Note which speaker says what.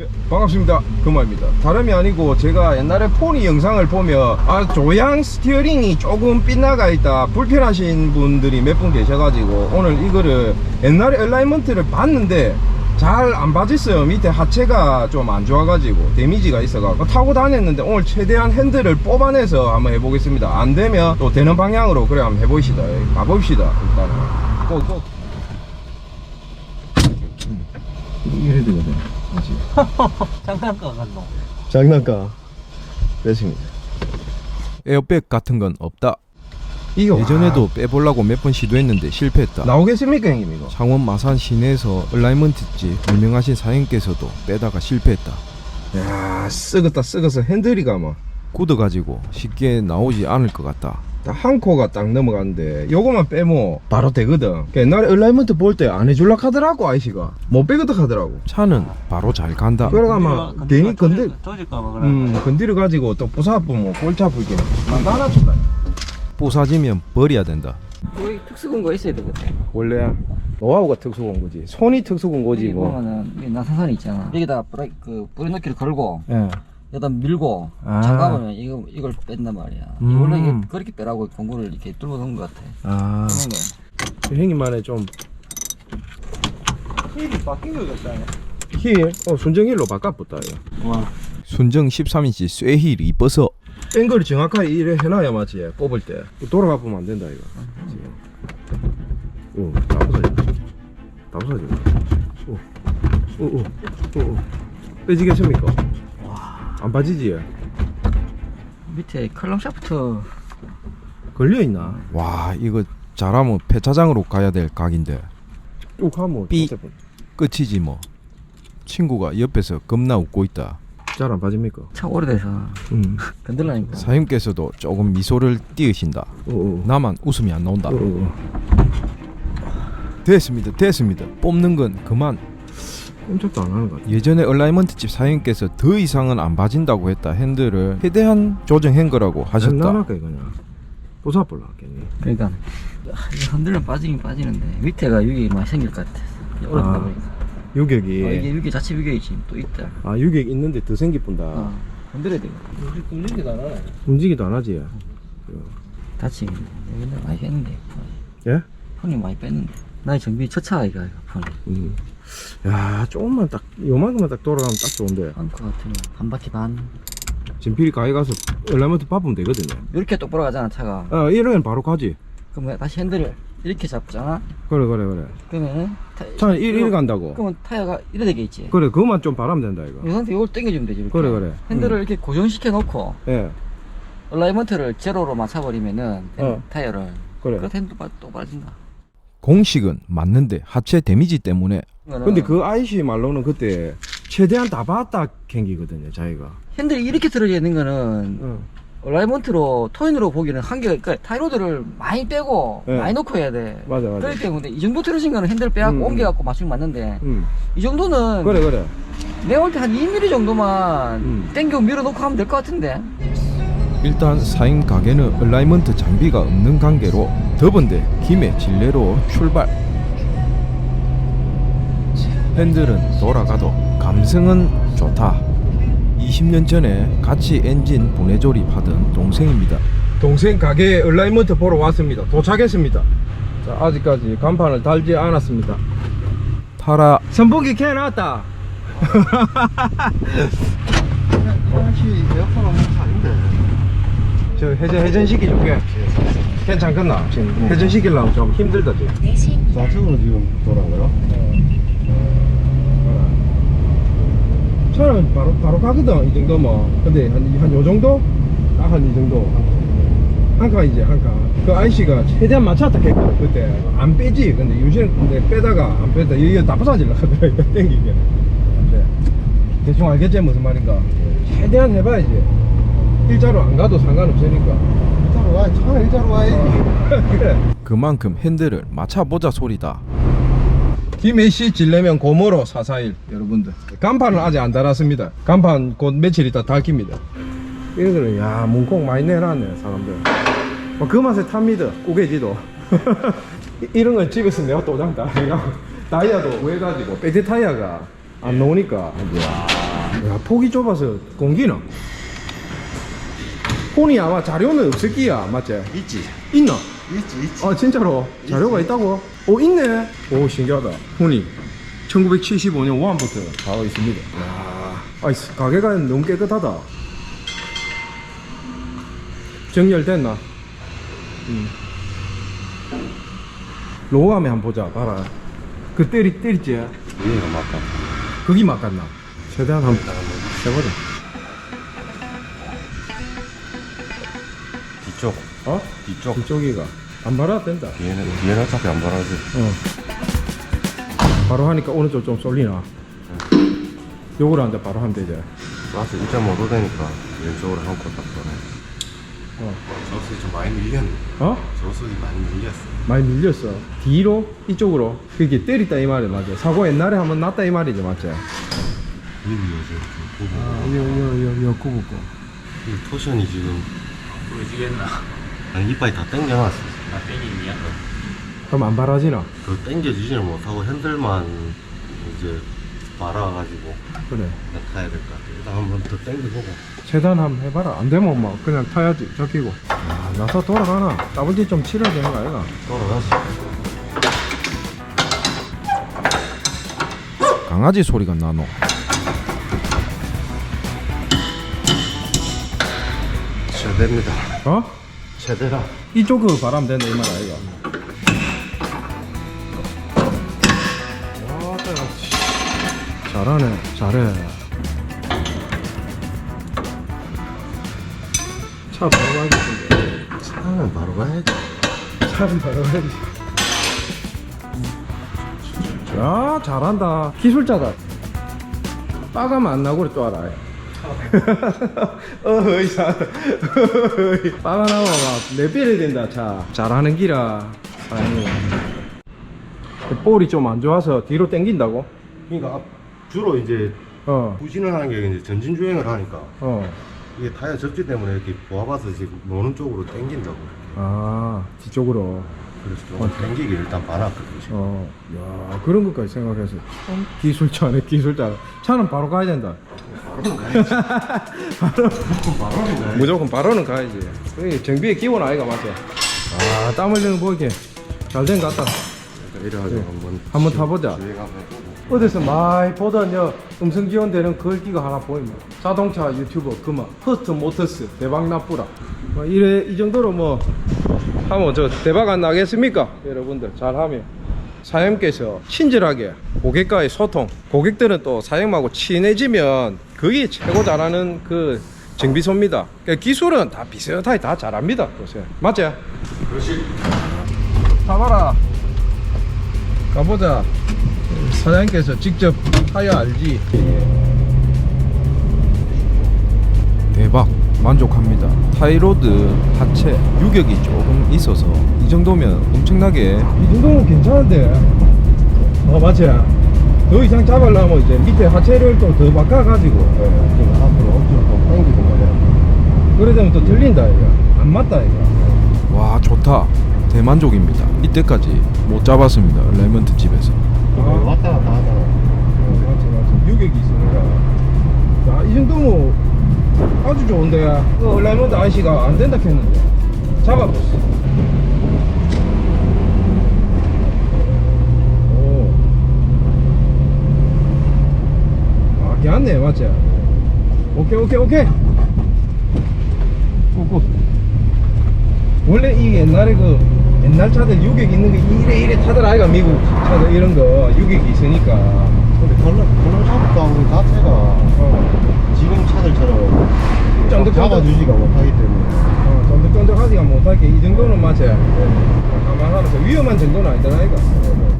Speaker 1: 네, 반갑습니다. 금화입니다. 다름이 아니고 제가 옛날에 포니 영상을 보면 조향 스티어링이 조금 빗나가 있다 불편하신 분들이 몇 분 계셔가지고 오늘 이거를 옛날에 얼라이먼트를 봤는데 잘 안 봐졌어요. 밑에 하체가 좀 안 좋아가지고 데미지가 있어가지고 타고 다녔는데 오늘 최대한 핸들을 뽑아내서 한번 해보겠습니다. 안 되면 또 되는 방향으로 그래 한번 해보시다. 가봅시다. 일단은 꼭 이래 되거든.
Speaker 2: 장난감 같노.
Speaker 1: 장난감 됐습니다.
Speaker 3: 에어백 같은 건 없다.
Speaker 1: 이거
Speaker 3: 예전에도 빼보려고 몇 번 시도했는데 실패했다.
Speaker 1: 나오겠습니까 형님 이거?
Speaker 3: 창원 마산 시내에서 얼라이먼트집 유명하신 사장님께서도 빼다가 실패했다.
Speaker 1: 야 썩었어. 핸들이가 뭐
Speaker 3: 굳어가지고 쉽게 나오지 않을 것 같다.
Speaker 1: 한 코가 딱 넘어가는데 요거만 빼면 바로 되거든. 옛날에 얼라이먼트 볼 때 안 해줄라 하더라고 아이씨가 못 빼거든 하더라고.
Speaker 3: 차는 바로 잘 간다.
Speaker 1: 그래가 막 괜히
Speaker 2: 조질까봐 그래.
Speaker 1: 건드려 가지고 또 부사보면 골치 아프게 만나놨다.
Speaker 3: 부사지면 버려야 된다.
Speaker 2: 거기 특수근거 있어야 되거든.
Speaker 1: 원래 노하우가 특수한 거지. 손이 특수한 거지
Speaker 2: 여기
Speaker 1: 뭐.
Speaker 2: 보면은 이 나사선이 있잖아. 여기다 브레이크를 걸고
Speaker 1: 예.
Speaker 2: 여기다 밀고
Speaker 1: 아.
Speaker 2: 잠가보면 이걸 뺀단 말이야. 원래 이게 그렇게 빼라고 공구를 이렇게 뚫어 놓은 것 같아.
Speaker 1: 아.
Speaker 2: 그런
Speaker 1: 형님만의 좀 힐이 바뀐 거 같다. 힐? 순정힐로 바꿔봤다 이거.
Speaker 2: 와.
Speaker 3: 순정 13인치 쇠힐 이뻐서
Speaker 1: 앵글을 정확하게 이래 해놔야 맞지. 뽑을 때 돌아가 보면 안 된다 이거. 오, 다 부서져. 오. 빼지겠습니까?
Speaker 2: 와.
Speaker 1: 안 빠지지?
Speaker 2: 밑에 컬럼 샤프트
Speaker 1: 걸려 있나?
Speaker 3: 와 이거 잘하면 폐차장으로 가야 될 각인데
Speaker 1: 쭉 하면
Speaker 3: 삐. 끝이지 뭐. 친구가 옆에서 겁나 웃고 있다.
Speaker 1: 잘 안 빠집니까?
Speaker 2: 차 오래돼서 건들라니까.
Speaker 3: 사장님께서도 조금 미소를 띄우신다.
Speaker 1: 오.
Speaker 3: 나만 웃음이 안 나온다.
Speaker 1: 오.
Speaker 3: 됐습니다. 뽑는 건 그만.
Speaker 1: 꼼짝도 안 하는 것 같아.
Speaker 3: 예전에 얼라이먼트 집 사장님께서 더 이상은 안 봐진다고 했다 핸들을 최대한 조정한 거라고 하셨다.
Speaker 1: 나랄까 이거냐? 부사볼라 하겠니?
Speaker 2: 그러니까 흔들면 빠지긴 빠지는데 밑에가 유격이 많이 생길 것 같아. 오래되다 보니까.
Speaker 1: 유격이.
Speaker 2: 이게 유격 자체 유격이 지금 또 있다.
Speaker 1: 유격 있는데 더 생기 뿐다.
Speaker 2: 건드려야 돼.
Speaker 1: 움직이도 안 하네. 움직이도 안 하지.
Speaker 2: 다치겠네. 옛날에 많이 뺐는데.
Speaker 1: 예?
Speaker 2: 폰이 많이 뺐는데. 나의 정비 첫 차가 이거 폰이.
Speaker 1: 야, 조금만 딱 요만큼만 딱 돌아가면 딱 좋은데.
Speaker 2: 한 거 같으면 반 바퀴 반.
Speaker 1: 진필이 가게 가서 얼라이먼트 밟으면 되거든요.
Speaker 2: 이렇게 똑바로 가잖아 차가.
Speaker 1: 이러면 바로 가지.
Speaker 2: 그러면 다시 핸들을 이렇게 잡잖아.
Speaker 1: 그래.
Speaker 2: 그러면은
Speaker 1: 차는 이리 간다고.
Speaker 2: 그러면 타이어가 이래 되게 있지.
Speaker 1: 그래, 그것만 좀 바라면 된다 이거.
Speaker 2: 이 상태 이걸 당겨주면 되지. 이렇게.
Speaker 1: 그래.
Speaker 2: 핸들을 이렇게 고정시켜 놓고
Speaker 1: 예.
Speaker 2: 얼라이먼트를 제로로 맞춰버리면은 타이어를.
Speaker 1: 그래.
Speaker 2: 그 핸들 또 빠진다.
Speaker 3: 공식은 맞는데 하체 데미지 때문에.
Speaker 1: 근데 그 아이씨 말로는 그때 최대한 다 봤다 캥기거든요, 자기가.
Speaker 2: 핸들이 이렇게 들어져 있는 거는 얼라이먼트로 토인으로 보기는 한계가, 그러니까 타이로드를 많이 빼고
Speaker 1: 네.
Speaker 2: 많이 넣고 해야 돼.
Speaker 1: 맞아.
Speaker 2: 그렇기 때문에 이 정도 틀어진 거는 핸들 빼갖고 옮겨갖고 맞추면 맞는데 이 정도는
Speaker 1: 그래.
Speaker 2: 내가 볼 때 한 2mm 정도만 땡겨 밀어놓고 하면 될 것 같은데.
Speaker 3: 일단 사인 가게는 얼라이먼트 장비가 없는 관계로 더번데 김해 진례로 출발. 핸들은 돌아가도 감성은 좋다. 20년 전에 같이 엔진 분해 조립하던 동생입니다.
Speaker 1: 동생 가게에 얼라이먼트 보러 왔습니다. 도착했습니다. 자, 아직까지 간판을 달지 않았습니다.
Speaker 3: 타라.
Speaker 1: 선풍기 켜 놨다.
Speaker 2: 에어컨 없는 차 아닌데.
Speaker 1: 저 회전 시켜줄게. 괜찮겠나? 지금 회전 시키려면 좀 힘들다 지금.
Speaker 4: 좌측으로 지금 돌아가요?
Speaker 1: 차는 바로 가거든 이 정도면. 근데 한 요 정도? 딱 한 이 정도. 한 칸 이제 한 칸. 그 아이씨가 최대한 맞췄다 했거든 그때. 안 빼지. 근데 요새는 근데 빼다가 안 빼다 이게 다 부서질라 하더라 이거 땡기게. 네. 대충 알겠지 무슨 말인가. 최대한 해봐야지. 일자로 안 가도 상관없으니까.
Speaker 4: 일자로 와, 차는 일자로 와야지.
Speaker 1: 그래.
Speaker 3: 그만큼 핸들을 맞춰보자 소리다.
Speaker 1: 김해시 진례면 고모로 441 여러분들 간판은 아직 안 달았습니다. 간판 곧 며칠 있다 달깁니다. 이거는 야 문콕 많이 내놨네 사람들. 그 맛에 탑니다. 우개지도. 이런 건 집에서 내가 도장 다 해가지고 다이아도 구해가지고 배트 타이어가 안 나오니까 이제. 야, 폭이 좁아서 공기는 폰이 아마 자료는 없을 끼야, 맞지?
Speaker 4: 있지.
Speaker 1: 있나?
Speaker 4: 있지.
Speaker 1: 아 진짜로? 자료가 있다고? 있네. 오 신기하다. 폰이 1975년 5안부터 나와 있습니다. 야, 가게가 너무 깨끗하다. 정렬됐나? 로우함에 한번 보자. 봐라. 그 때리지?
Speaker 4: 이거 맞다.
Speaker 1: 거기 막갔나? 최대한 한번 해보자.
Speaker 4: 뒤쪽. 뒤쪽.
Speaker 1: 이쪽이가 안 바라도 된다.
Speaker 4: 뒤에는 어차피 안 바라지.
Speaker 1: 바로 하니까 오른쪽 좀 쏠리나? 요거를 한다 바로 하면 되지.
Speaker 4: 가스 1.5도 되니까 왼쪽으로 한코 딱 보내. 저수이 좀 많이 밀렸네. 저수이 많이 밀렸어.
Speaker 1: 많이 밀렸어. 뒤로? 이쪽으로? 그게 때리다 이 말이 맞아. 사고 옛날에 한번 났다 이 말이지 맞지? 이거 굽고.
Speaker 4: 이 토션이 지금
Speaker 2: 보여지겠나?
Speaker 4: 아니 이빨이 다 땡겨놨어.
Speaker 2: 나 땡이냐?
Speaker 1: 그럼 안 바라지나?
Speaker 4: 그 땡겨지지를 못하고 핸들만 이제 말아가지고
Speaker 1: 그래.
Speaker 4: 타야 될 것 같아. 일단 한번 더 땡겨보고.
Speaker 1: 최대한 한번 해봐라. 안 되면 막 그냥 타야지. 적히고. 아, 나서 돌아가나? 따블지 좀 치러야 되는 거 아이가?
Speaker 4: 돌아가시.
Speaker 3: 강아지 소리가 나노.
Speaker 4: 최대입니다. 최대라.
Speaker 1: 이쪽으로 바라면 된다 이 말 아이가? 와, 잘하네. 잘해. 차 바로 가야겠는데.
Speaker 4: 차는 바로 가야지.
Speaker 1: 차는 바로 가야지. 야, 잘한다. 기술자다. 빠가면 안 나고 그래 또 알아. 빠가 나와 막 내비를 된다 차. 잘하는 기라. 사장님. 볼이 좀 안 좋아서 뒤로 당긴다고?
Speaker 4: 그러니까 주로 이제
Speaker 1: 어.
Speaker 4: 부진을 하는 게 이제 전진 주행을 하니까
Speaker 1: 어.
Speaker 4: 이게 타이어 접지 때문에 이렇게 보아봐서 지금 노는 쪽으로 당긴다고.
Speaker 1: 아, 뒤쪽으로.
Speaker 4: 그래서 좀 당기기 일단 봐놨거든. 지금.
Speaker 1: 야, 그런 것까지 생각해서 참 기술자네, 기술자. 차는 바로 가야 된다.
Speaker 4: 바로는 가야지.
Speaker 1: 무조건 바로는 가야지. 그게 정비의 기본 아이가 맞아. 아, 땀 흘리는 거 보이게 잘 된 것 같다.
Speaker 4: 이래가지고
Speaker 1: 네. 한번 타보자.
Speaker 4: 주행 한번 해보고.
Speaker 1: 어디서 많이 보던 음성 지원되는 글귀가 하나 보입니다. 자동차 유튜버 그만 퍼스트 모터스 대박 나쁘라. 뭐 이래 이 정도로 뭐 하면 저 대박 안 나겠습니까? 여러분들 잘하면 사장님께서 친절하게 고객과의 소통, 고객들은 또 사장님하고 친해지면 그게 최고 잘하는 그 정비소입니다. 그러니까 기술은 다 비슷하게 다 잘합니다. 보세요. 맞지?
Speaker 4: 그렇지.
Speaker 1: 타봐라. 가보자. 사장님께서 직접 타야 알지.
Speaker 3: 대박. 만족합니다. 타이로드 하체 유격이 조금 있어서 이 정도면 엄청나게
Speaker 1: 이 정도면 괜찮은데. 맞지? 더 이상 잡으려면 이제 밑에 하체를 또 더 바꿔가지고.
Speaker 4: 지금 앞으로 엄청 더 당기고 말이야.
Speaker 1: 그래 되면 또 틀린다 이거. 안 맞다 이거.
Speaker 3: 와 좋다. 대만족입니다. 이때까지 못 잡았습니다. 레몬트 집에서.
Speaker 4: 왔다 갔다 하잖아.
Speaker 1: 맞지. 유격이 있으니까. 야, 이 정도면 아주 좋은데. 얼라이먼트 아저씨가 안 된다 했는데. 잡아봤어. 오. 아, 괜찮네, 맞지? 오케이. 꾹꾹. 원래 이 옛날에 옛날 차들 유격 있는 게 이래 타들 아이가 미국 차들 이런 거 유격이 있으니까.
Speaker 4: 근데 컬러 샤프트 자체가 지금 차들처럼
Speaker 1: 쫀득쫀득.
Speaker 4: 잡아주지가 못하기 때문에
Speaker 1: 쫀득쫀득하지가 못하게 이 정도는 맞아요. 가만하면서 위험한 정도는 아니잖아 이거.